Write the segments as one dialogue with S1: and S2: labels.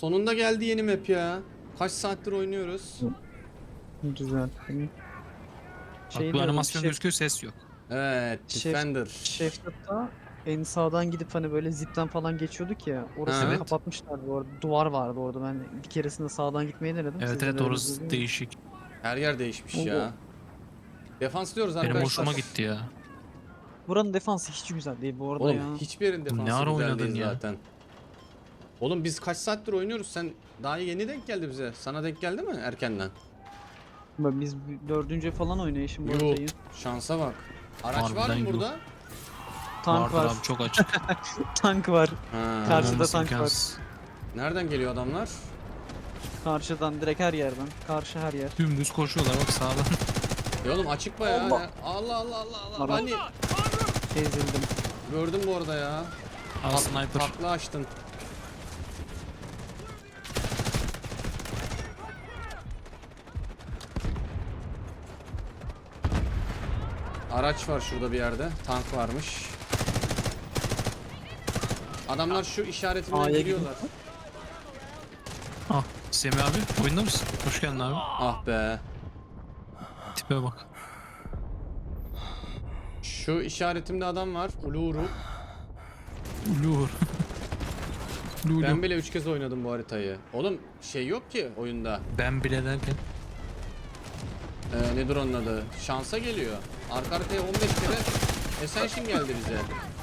S1: Sonunda geldi yeni map ya. Kaç saattir oynuyoruz.
S2: Güzel.
S3: Bak bu animasyon gözüküyor, ses yok.
S1: Evet, Defender.
S2: Şeftat'ta en sağdan gidip hani böyle zipten falan geçiyorduk ya. Orasını
S1: Evet.
S2: kapatmışlar bu arada. Duvar vardı orada. Ben bir keresinde sağdan gitmeyi denedim.
S3: Evet
S2: Siz de
S3: evet,
S2: denediniz
S3: orası
S2: mi?
S3: değişik.
S1: Her yer değişmiş
S2: Oo.
S1: ya. Defans diyoruz
S3: Benim
S1: arkadaşlar.
S3: hoşuma gitti ya.
S2: Buranın defansı hiç güzel değil bu arada
S1: Oğlum
S2: ya.
S1: hiçbir yerin
S3: Ne
S1: defansı
S3: ara
S1: güzel
S3: oynadın
S1: değil
S3: ya?
S1: zaten. Oğlum biz kaç saattir oynuyoruz, sen daha yeni denk geldi bize. Sana denk geldi mi erkenden?
S2: Biz dördüncü falan oynayışım bu
S1: Yuh,
S2: haritayı.
S1: şansa bak. Araç var
S3: Harbiden
S1: mı
S3: yuh.
S1: burada?
S2: Tank
S3: Vardır
S2: var.
S3: abi, çok açık.
S2: Tank var.
S1: Ha.
S2: Karşıda
S3: Olmaması
S2: tank var.
S3: imkansız.
S1: Nereden geliyor adamlar?
S2: Karşıdan direkt her yerden. Karşı her yer.
S3: Dümdüz koşuyorlar bak sağdan.
S1: Oğlum açık bayağı.
S2: Allah.
S1: Ya. Allah Allah Allah Allah.
S2: Ara-
S1: Hani
S2: Ezildim.
S1: gördüm bu arada ya.
S3: Aa, sniper.
S1: Takla açtın. Araç var şurada bir yerde. Tank varmış. Adamlar şu işaretimden
S2: A'ya
S1: giriyorlar.
S3: Ah, Semih abi oyunda mısın? Hoş geldin abi.
S1: Ah be.
S3: Tipe bak.
S1: Şu işaretimde adam var. Uluru.
S3: Lur. Lulu.
S1: Ben bile 3 kez oynadım bu haritayı. Oğlum şey yok ki oyunda.
S3: Ben bile derken.
S1: Nedir onun adı? Şansa geliyor. Arka arkaya 15 kere Ascension geldi bize.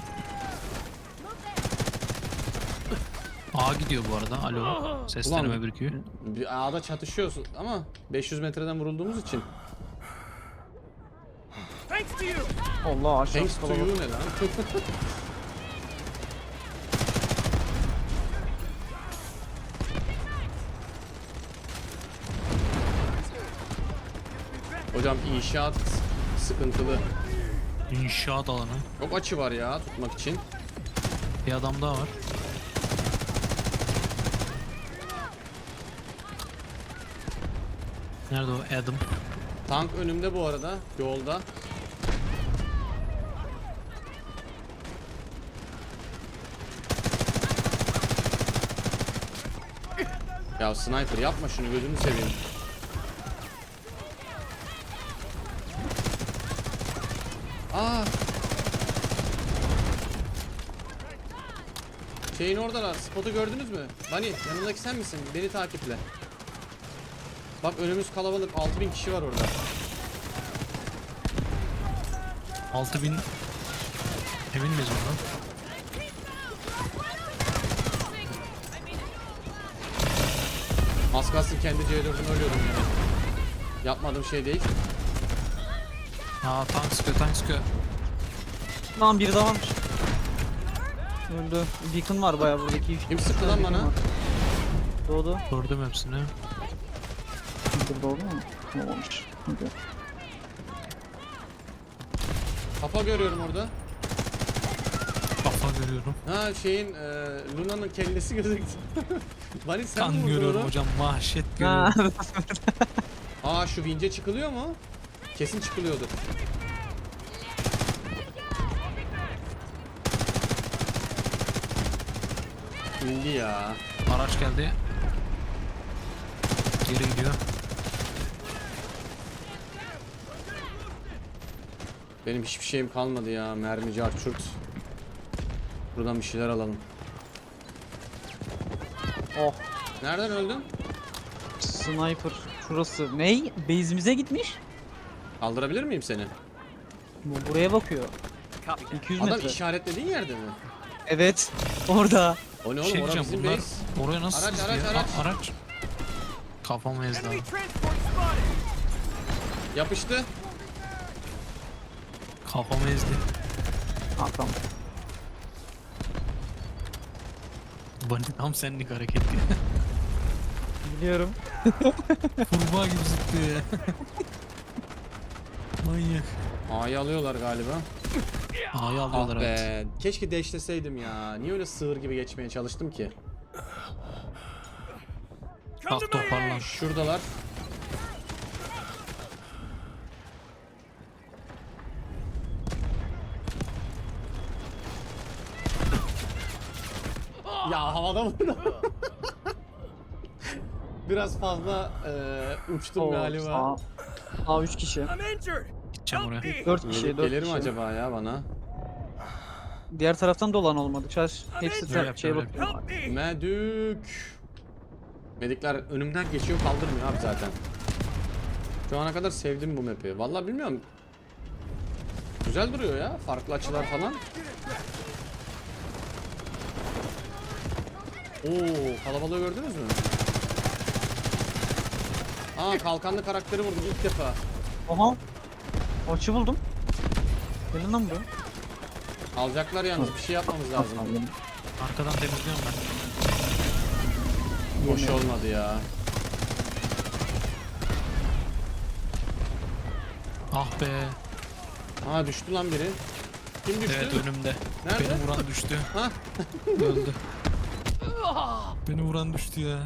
S3: A gidiyor bu arada. Alo. Seslenme
S1: Ulan,
S3: birikiyor.
S1: Bir A'da çatışıyorsun ama 500 metreden vurulduğumuz için.
S2: Allah aşağı
S1: Thanks to you
S2: kalabalık.
S1: ne lan? Hocam inşaat sıkıntılı.
S3: İnşaat alanı.
S1: Çok açı var ya tutmak için.
S3: Bir adam daha var. Nerede o Adam?
S1: Tank önümde bu arada yolda. Ya sniper yapma şunu, gözünü seveyim. Aa! Şeyin oradalar. Spotu gördünüz mü? Bani yanındaki sen misin? Beni takiple. Bak önümüz kalabalık. 6000 kişi var orada.
S3: 6000. Emin miyiz ondan?
S1: Az kalsın kendi C4'ümü ölüyordum ya. Yapmadığım şey değil.
S3: Aa, tank sıkıyor, tank sıkıyor.
S2: Lan biri daha varmış. Öldü. Beacon var bayağı buradaki.
S1: Kim sıktı lan bana?
S2: Doğdu.
S3: Gördüm hepsini.
S2: Burada doğdu mu? Olmamış. Okey.
S1: Kafa görüyorum orada.
S3: Kafa görüyorum.
S1: Ha şeyin Luna'nın kellesi gözüktü. Bani sen mi
S3: Kan
S1: vurdun
S3: görüyorum
S1: onu?
S3: hocam, vahşet
S2: Ha.
S3: görüyorum.
S1: Aa şu vince çıkılıyor mu? Kesin çıkılıyordur. İndi ya.
S3: Araç geldi. Geri gidiyor.
S1: Benim hiçbir şeyim kalmadı ya. Mermici arçurt. Buradan bir şeyler alalım.
S2: Oh.
S1: Nereden öldün?
S2: Sniper. Şurası. Ney? Base'imize gitmiş.
S1: Kaldırabilir miyim seni?
S2: Bu buraya bakıyor. 200
S1: Adam
S2: metre.
S1: işaretlediğin yerde mi?
S2: Evet. Orada.
S1: O ne
S3: Bir
S1: oğlum?
S3: şey
S1: Orası
S3: diyeceğim,
S1: bizim
S3: bunlar
S1: base.
S3: oraya nasıl
S1: Araç,
S3: sızdı
S1: araç,
S3: ya?
S1: araç.
S3: Araç. Kafamı ezdi abi.
S1: Yapıştı.
S3: Kafamı ezdi.
S2: Ha tamam.
S3: Bunny tam senlik hareket.
S2: Biliyorum.
S3: Kurbağa gibi zıplıyor ya. Manyak.
S1: A'yı alıyorlar galiba.
S3: A'yı
S1: Ah
S3: alıyorlar evet.
S1: be. Keşke deşleseydim ya. Niye öyle sığır gibi geçmeye çalıştım ki?
S3: Bak toparlan.
S1: Şuradalar. Ya havada vurdu. Biraz fazla uçtum
S2: Oo,
S1: galiba.
S2: Sağ 3 kişi.
S3: Gideceğim oraya.
S2: 4 kişi,
S1: Melih
S2: 4
S1: gelir mi
S2: kişi.
S1: acaba ya bana?
S2: Diğer taraftan dolan olmadı. Hepsi
S3: Öyle yap,
S2: şeye
S3: öyle.
S2: bakıyor.
S1: Medük. Medikler önümden geçiyor, kaldırmıyor abi zaten. Şu ana kadar sevdim bu map'i. Vallahi bilmiyorum. Güzel duruyor ya. Farklı açılar falan. Oo, kalabalığı gördünüz mü? Aa, kalkanlı karakteri vurdum ilk defa.
S2: Aha. Açı buldum. Gelin lan buraya.
S1: Alacaklar yalnız, bir şey yapmamız lazım.
S3: Arkadan temizliyorum ben.
S1: Hoş olmadı ya.
S3: Ah be.
S1: Aa, düştü lan biri. Kim düştü?
S3: Evet önümde.
S1: Nerede?
S3: Beni vuran düştü.
S1: Ha?
S3: Öldü. Beni vuran düştü ya.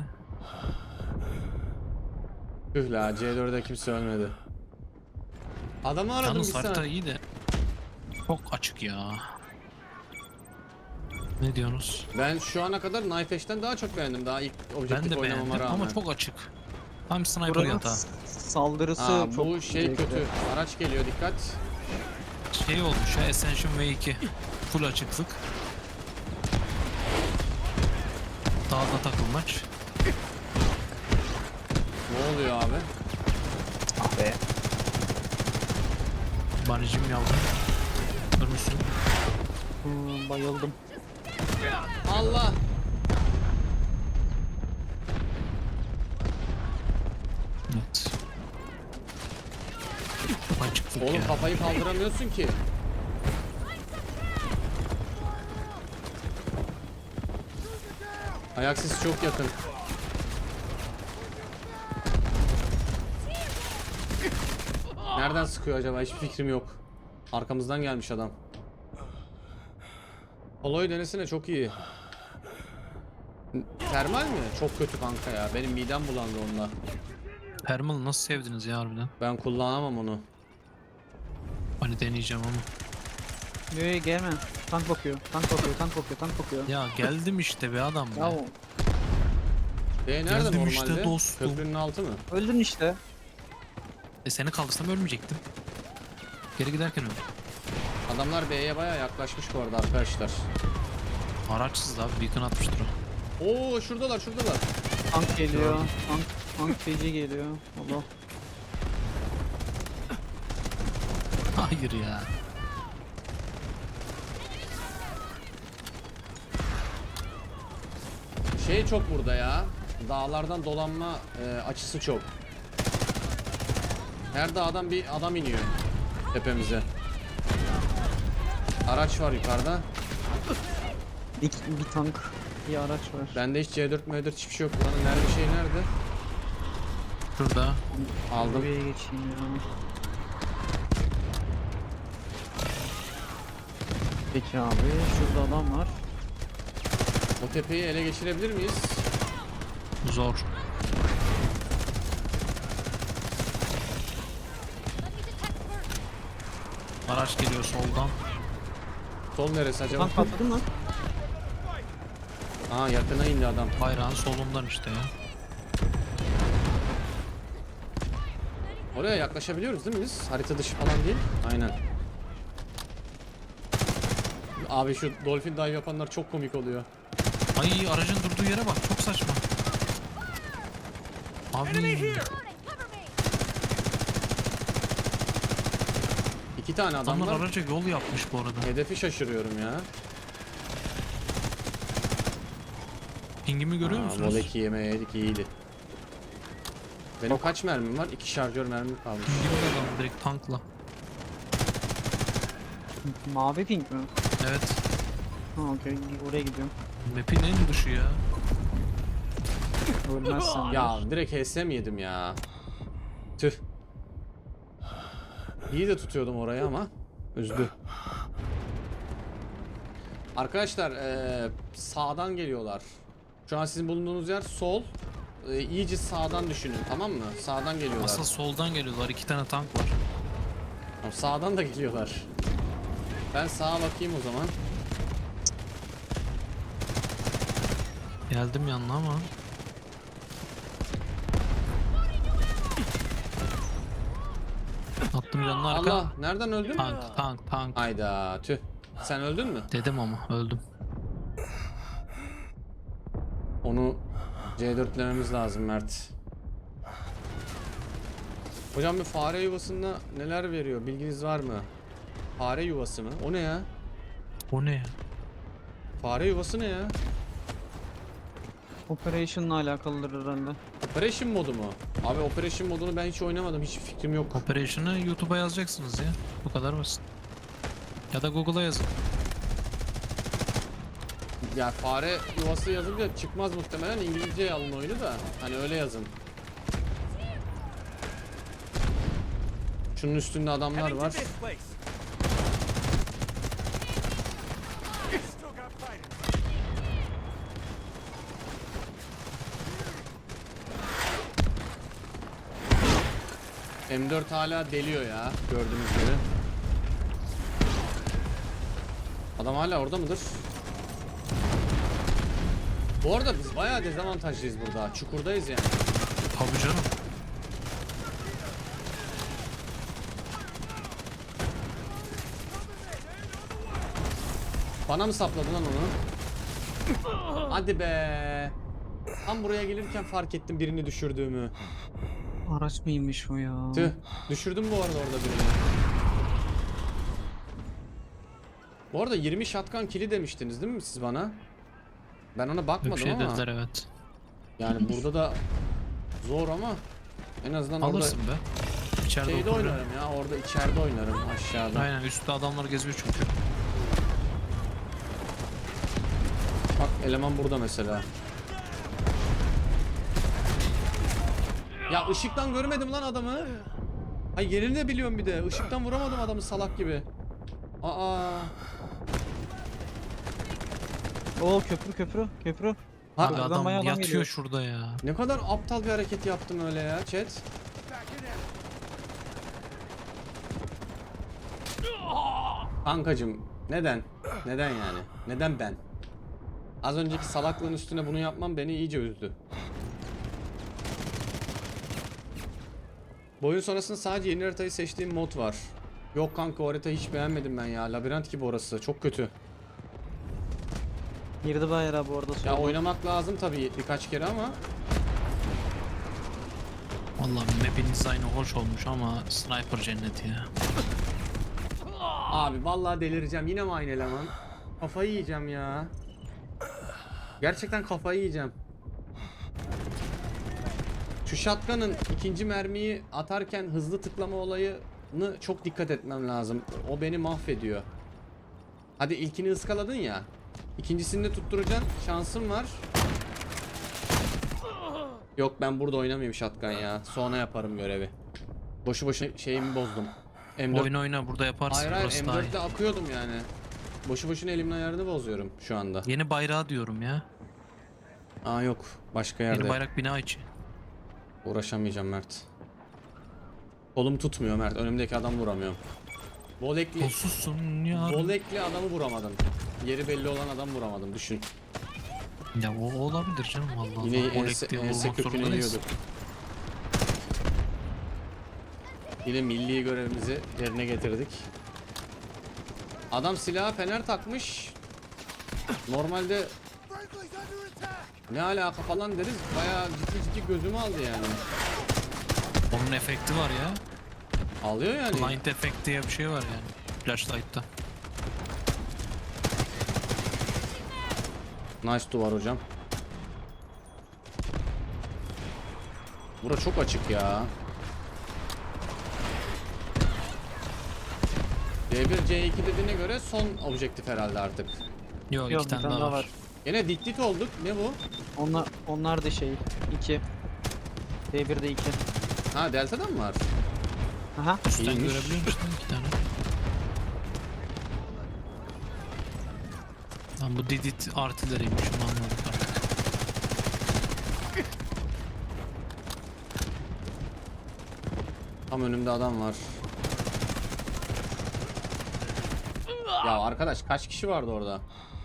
S1: Tüh la, C4'de kimse ölmedi. Adamı aradım bir
S3: Yalnız harita
S1: saat.
S3: iyi de. Çok açık ya. Ne diyorsunuz?
S1: Ben şu ana kadar Knife Edge'den daha çok beğendim. Daha ilk
S3: Ben
S1: objektif
S3: de
S1: oynamama
S3: beğendim
S1: rağmen.
S3: ama çok açık. Tam sniper
S2: Buranın
S3: yatağı.
S2: saldırısı
S1: Aa,
S2: çok
S1: bu şey
S2: zevkli.
S1: kötü. Araç geliyor, dikkat.
S3: Şey olmuş ya Ascension V2. Full açıklık. Dağda takılmaç.
S1: Ne oluyor abi?
S2: Ah be.
S3: Banicim yavrum. Ölmüşsün.
S2: Bayıldım.
S1: Allah!
S3: Evet. Çok açıklık
S1: Oğlum
S3: ya.
S1: kafayı kaldıramıyorsun ki. Ayak sesi çok yakın. Nereden sıkıyor acaba? Hiçbir fikrim yok. Arkamızdan gelmiş adam. Polo'yu denesene, çok iyi. Termal mi? Çok kötü kanka ya. Benim midem bulandı onunla.
S3: Thermal nasıl sevdiniz ya harbiden?
S1: Ben kullanamam onu.
S3: Hani deneyeceğim ama.
S2: Yo gelme. Tank bakıyor. Tank bakıyor. Tank bakıyor. Tank bakıyor.
S3: Ya geldim işte be adam
S2: Ya
S3: be.
S1: Nerede
S3: Geldim
S1: normalde?
S3: işte dostum.
S1: Köprünün altı mı?
S2: öldün işte.
S3: Seni kaldırsam ölmeyecektim. Geri giderken öldüm.
S1: Adamlar B'ye baya yaklaşmış bu arada arkadaşlar.
S3: Araçsız abi beacon atmıştır o.
S1: Oo, şuradalar şuradalar.
S2: Tank geliyor. Tank feci geliyor. Allah.
S3: Hayır ya.
S1: Şey çok burada ya. Dağlardan dolanma açısı çok. Her dağdan bir adam iniyor tepemize. Araç var yukarıda.
S2: Bir tank. Bir araç var.
S1: Bende hiç C4 M4 hiçbir şey yok. Buranın nerede şey nerede?
S3: Şurada.
S1: Aldım.
S2: Buraya geçeyim ya. Peki abi. Şurada adam var.
S1: O tepeyi ele geçirebilir miyiz?
S3: Zor. Araç geliyor soldan.
S1: Sol neresi acaba?
S2: Tank patladı mı?
S1: Aa, yakına indi adam.
S3: Bayrağın solundan işte ya.
S1: Oraya yaklaşabiliyoruz değil mi biz? Harita dışı falan değil. Aynen. Abi şu dolphin dive yapanlar çok komik oluyor.
S3: Ay aracın durduğu yere bak çok saçma. Abi.
S1: İki tane adam
S3: Adamlar
S1: var.
S3: araca yol yapmış bu arada.
S1: Hedefi şaşırıyorum ya.
S3: Pingimi görüyor musunuz?
S1: Voleki yemeğe yedik, iyiydi. Benim kaç mermim var? 2 şarjör mermim kalmış.
S3: Pingimi de adam direkt tankla.
S2: Mavi pink mi?
S3: Evet.
S2: Ha okey. Oraya gidiyorum.
S3: Map'in en dışı ya.
S2: Ölmezsen.
S1: Ya direkt HSM yedim ya. Tüh. İyi de tutuyordum orayı ama üzdü. Arkadaşlar sağdan geliyorlar. Şu an sizin bulunduğunuz yer sol. İyice sağdan düşünün, tamam mı? Sağdan geliyorlar.
S3: Asıl soldan geliyorlar. 2 tane tank var.
S1: Tamam, sağdan da geliyorlar. Ben sağa bakayım o zaman.
S3: Geldim yanına ama. canın arka.
S1: Allah, nereden öldün?
S3: Tank.
S1: Ayda tüh. Sen öldün mü?
S3: Dedim ama öldüm.
S1: Onu C4'lememiz lazım Mert. Hocam bir fare yuvasında neler veriyor? Bilginiz var mı? Fare yuvası mı? O ne ya?
S3: O ne ya?
S1: Fare yuvası ne ya?
S2: Operation'la alakalıdır herhalde.
S1: Operation modu mu? Abi Operation modunu ben hiç oynamadım. Hiç fikrim yok.
S3: Operation'ı YouTube'a yazacaksınız ya. Bu kadar basit. Ya da Google'a yazın.
S1: Ya fare yuvası yazınca çıkmaz muhtemelen. İngilizce alın oyunu da. Hani öyle yazın. Şunun üstünde adamlar var. M4 hala deliyor ya, gördüğünüz gibi. Adam hala orada mıdır? Bu arada biz bayağı dezavantajlıyız burada. Çukurdayız yani.
S3: Tabii canım.
S1: Bana mı sapladın lan onu? Hadi be. Tam buraya gelirken fark ettim birini düşürdüğümü.
S2: Araç mıymış o ya?
S1: Tüh. Düşürdüm bu arada orada birini. Bu arada 20 shotgun kili demiştiniz değil mi siz bana? Ben ona
S3: Bir
S1: bakmadım
S3: şey
S1: ama.
S3: dediler evet.
S1: Yani burada da zor ama en azından
S3: Alırsın be.
S1: orada
S3: İçeride
S1: şeyde
S3: oturacağım.
S1: oynarım ya. Orada içeride oynarım aşağıda.
S3: Aynen üstte adamlar geziyor çünkü.
S1: Bak eleman burada mesela. Ya ışıktan görmedim lan adamı. Ay yerini de biliyorum bir de. Işıktan vuramadım adamı salak gibi. Aa.
S2: Oo, köprü.
S1: Ha,
S3: Abi
S2: Adam
S3: adam
S2: bayağı adam
S3: yatıyor
S2: geliyor.
S3: şurada ya.
S1: ne kadar aptal bir hareket yaptım öyle ya chat. Kankacım neden? Neden yani? Neden ben? Az önceki salaklığın üstüne bunu yapmam beni iyice üzdü. Bu oyun sonrasında sadece yeni haritayı seçtiğim mod var. Yok kanka o haritayı hiç beğenmedim ben ya. Labirent gibi orası. Çok kötü.
S2: Girdi bayağı bu arada.
S1: Ya
S2: solda.
S1: oynamak lazım tabii birkaç kere ama
S3: Vallahi map'in dizaynı hoş olmuş ama sniper cenneti ya.
S1: abi vallahi delireceğim. Yine mi aynı eleman? Kafayı yiyeceğim ya. Gerçekten kafayı yiyeceğim. Şu shotgun'ın ikinci mermiyi atarken hızlı tıklama olayını çok dikkat etmem lazım. O beni mahvediyor. Hadi ilkini ıskaladın ya. İkincisini de tutturacaksın. Şansım var. Yok ben burada oynamayayım shotgun ya. Sonra yaparım görevi. Boşu boşuna şeyimi bozdum. M4.
S3: Oyna burada yaparsın.
S1: Hayır hayır
S3: Burası daha iyi.
S1: M4'te akıyordum yani. Boşu boşuna elimin ayarını bozuyorum şu anda.
S3: Yeni bayrağı diyorum ya.
S1: Aa yok başka yerde.
S3: Yeni bayrak bina içi.
S1: Uğraşamayacağım Mert. Kolum tutmuyor Mert. Önümdeki adam vuramıyorum. Volekli,
S3: Kolsuzsun ya.
S1: volekli adamı vuramadım. Yeri belli olan adam vuramadım. Düşün.
S3: Ya o olabilir canım Allah
S1: Yine
S3: Allah.
S1: ense kökünü
S3: zorundayız.
S1: yiyorduk. Yine milli görevimizi yerine getirdik. Adam silaha fener takmış. Normalde ne alaka falan deriz. Bayağı ciddi gözümü aldı yani.
S3: Onun efekti var ya.
S1: Alıyor yani.
S3: Blind effect diye bir şey var yani. Flashlight'ta.
S1: Nice duvar hocam. Bura çok açık ya. C1, C2 dediğine göre son objektif herhalde artık.
S3: Yok
S2: Yok,
S3: iki
S2: bir
S3: tane daha var.
S1: Yine dit olduk. Ne bu?
S2: Onlar da şey 2. D1'de 2.
S1: Ha Delta'dan mı var?
S2: Aha.
S3: Üstten
S1: İyiymiş.
S3: görebiliyor musun iki tane? Lan bu Didit artileriymiş onu anladık artık.
S1: Tam önümde adam var. Ya arkadaş kaç kişi vardı orada?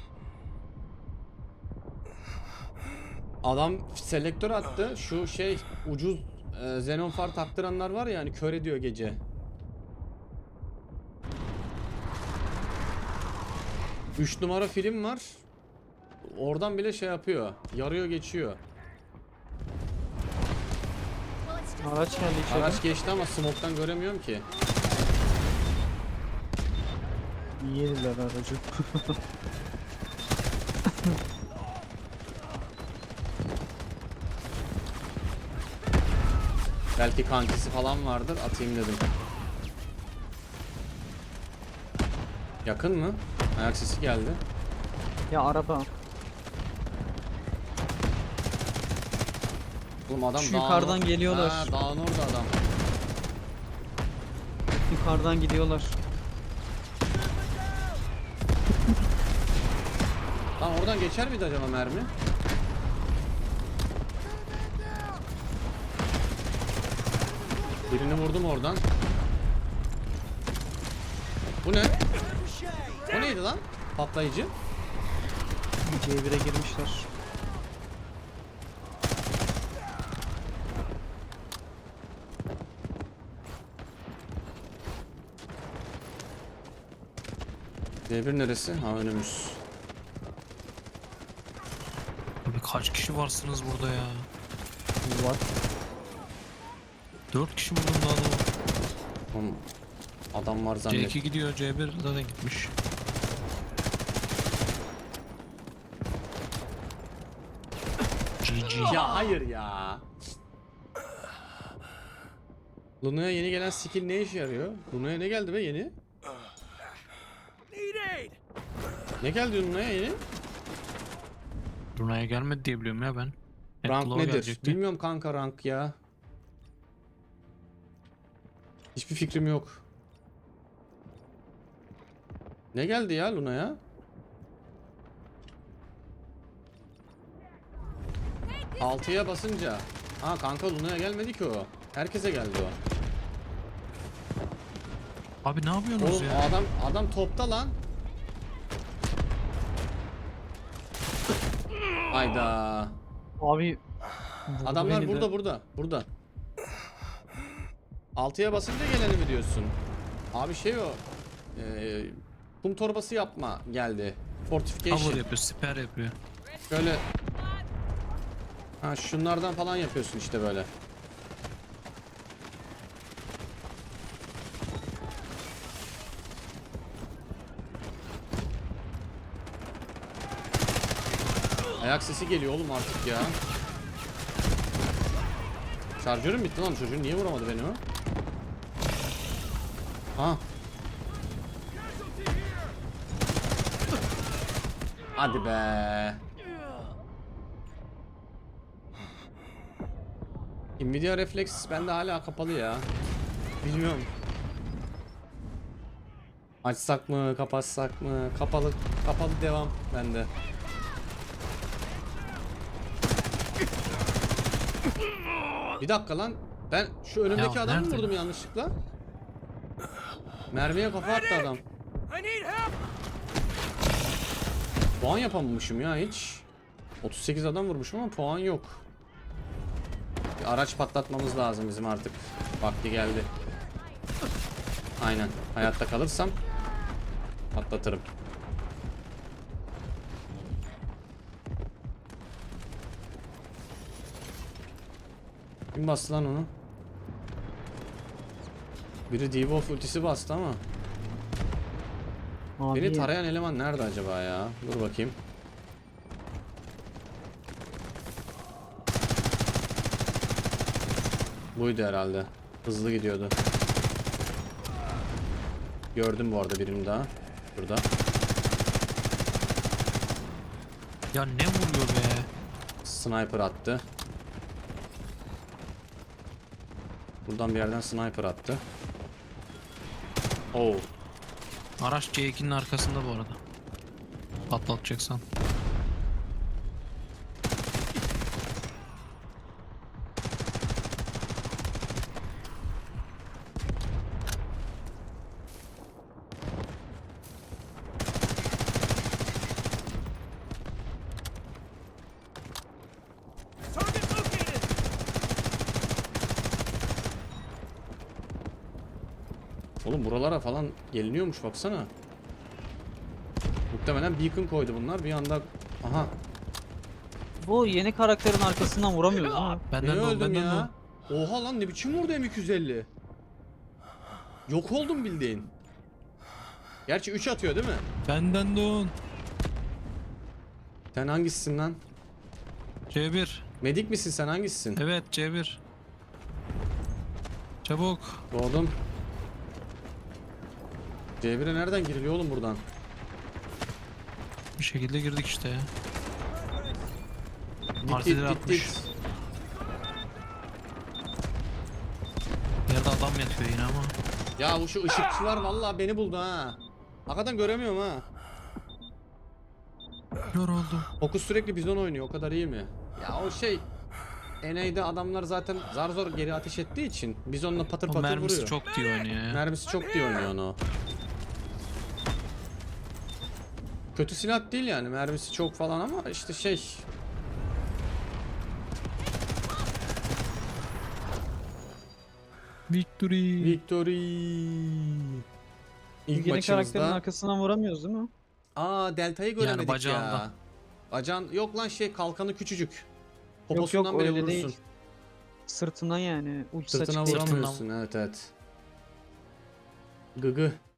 S1: Adam selektör attı. Şu şey ucuz xenon far taktıranlar var ya hani kör ediyor gece. 3 numara film var. Oradan bile şey yapıyor. Yarıyor geçiyor.
S2: Araç geldi içeri.
S1: Araç geçti ama smoke'tan göremiyorum ki.
S2: Yediler aracı.
S1: Belki kankisi falan vardır. Atayım dedim. Yakın mı? Ayak sesi geldi.
S2: Ya araba.
S1: Oğlum adam
S2: Şu
S1: dağın
S2: yukarıdan geliyorlar.
S1: Ha, dağın orada adam.
S2: Yukarıdan gidiyorlar.
S1: Lan oradan geçer miydi acaba mermi? Birini vurdum oradan. Bu ne? O neydi lan? Patlayıcı.
S2: C1'e girmişler.
S1: D1 neresi? Ha, önümüz.
S3: Abi kaç kişi varsınız burada ya?
S2: Var.
S3: 4 kişi vurdum daha da.
S1: Oğlum, adam var zannet.
S3: C2 gidiyor, C1 zaten gitmiş. GG.
S1: Ya hayır ya. Luna'ya yeni gelen skill ne işe yarıyor? Luna'ya ne geldi be yeni? Ne geldi Luna'ya yeni?
S3: Luna'ya gelmedi diye biliyorum ya ben. Hep
S1: Rank
S3: Claw
S1: nedir?
S3: gelecekti.
S1: Bilmiyorum kanka rank ya. Hiçbir fikrim yok. Ne geldi ya Luna'ya? Altıya basınca. Ha kanka Luna'ya gelmedi ki o. Herkese geldi o.
S3: Abi ne yapıyorsunuz
S1: Oğlum
S3: ya?
S1: adam topta lan. Hayda.
S2: Abi.
S1: Adamlar
S2: beni de.
S1: burada. Altıya basınca geleni mi diyorsun? Abi şey o. Kum torbası yapma geldi. Fortification.
S3: Cover yapıyor, siper yapıyor.
S1: Şöyle. Ha şunlardan falan yapıyorsun işte böyle. Ayak sesi geliyor oğlum artık ya. Şarjörüm bitti lan, çocuğun niye vuramadı beni o? Ha. Hadi be. Nvidia Reflex bende hala kapalı ya. Bilmiyorum. Açsak mı, kapatsak mı? Kapalı devam bende. Bir dakika lan. Ben şu önümdeki
S3: Ya
S1: adamı
S3: nerede?
S1: vurdum yanlışlıkla. Mermiye kafa attı adam. Puan yapamamışım ya hiç. 38 adam vurmuşum ama puan yok. Bir araç patlatmamız lazım bizim artık. Vakti geldi. Aynen. Hayatta kalırsam patlatırım. Kim bastı lan onu? Biri D-Wolf ultisi bastı ama.
S2: Abi.
S1: Beni tarayan eleman nerede acaba ya? Dur bakayım. Buydu herhalde. Hızlı gidiyordu. Gördüm bu arada birini daha. Burada.
S3: Ya ne vuruyor be?
S1: Sniper attı. Buradan bir yerden sniper attı. Oo.
S3: Araç C2'nin arkasında bu arada. Patlatacaksan.
S1: Oğlum buralara falan geliniyormuş baksana. Muhtemelen beacon koydu bunlar. Bir anda aha.
S2: Bu yeni karakterin arkasından vuramıyoruz değil mi?
S3: Benden
S1: Niye
S3: de o,
S1: öldüm
S3: benden de
S1: ya? Oha lan, ne biçim vurdu M250? Yok oldum bildiğin. Gerçi 3 atıyor değil mi?
S3: o. Benden de o.
S1: Sen hangisisin lan?
S3: C1.
S1: Medik misin sen, hangisisin?
S3: Evet C1. Çabuk.
S1: Doğdum. C1'e nereden giriliyor oğlum buradan?
S3: Bir şekilde girdik işte ya.
S1: Git
S3: Artileri
S1: git
S3: atmış.
S1: git.
S3: Yerde adam yatıyor yine ama.
S1: Ya bu şu ışıkçılar vallahi beni buldu ha. Hakikaten göremiyorum ha.
S3: Kör oldum.
S1: Fokus sürekli bizon oynuyor, o kadar iyi mi? Ya o şey, NA'de adamlar zaten zar zor geri ateş ettiği için bizonla patır
S3: O
S1: patır
S3: mermisi
S1: vuruyor.
S3: çok diye oynuyor ya.
S1: Mermisi çok diye oynuyor onu. Kötü silah değil yani, mermisi çok falan ama işte şey.
S3: Victory.
S1: Victory. İlk
S2: Yeni karakterin
S1: maçımızda.
S2: arkasından vuramıyoruz değil mi?
S1: Aa, Delta'yı göremedik
S3: bacağında.
S1: ya. Bacağın yok lan, şey, kalkanı küçücük.
S2: Yok
S1: Poposundan
S2: yok
S1: bile
S2: öyle
S1: vurursun.
S2: değil. Sırtından yani. Uç
S1: Sırtına
S2: saçık değil.
S1: vuramıyorsun, evet evet. Gıgı.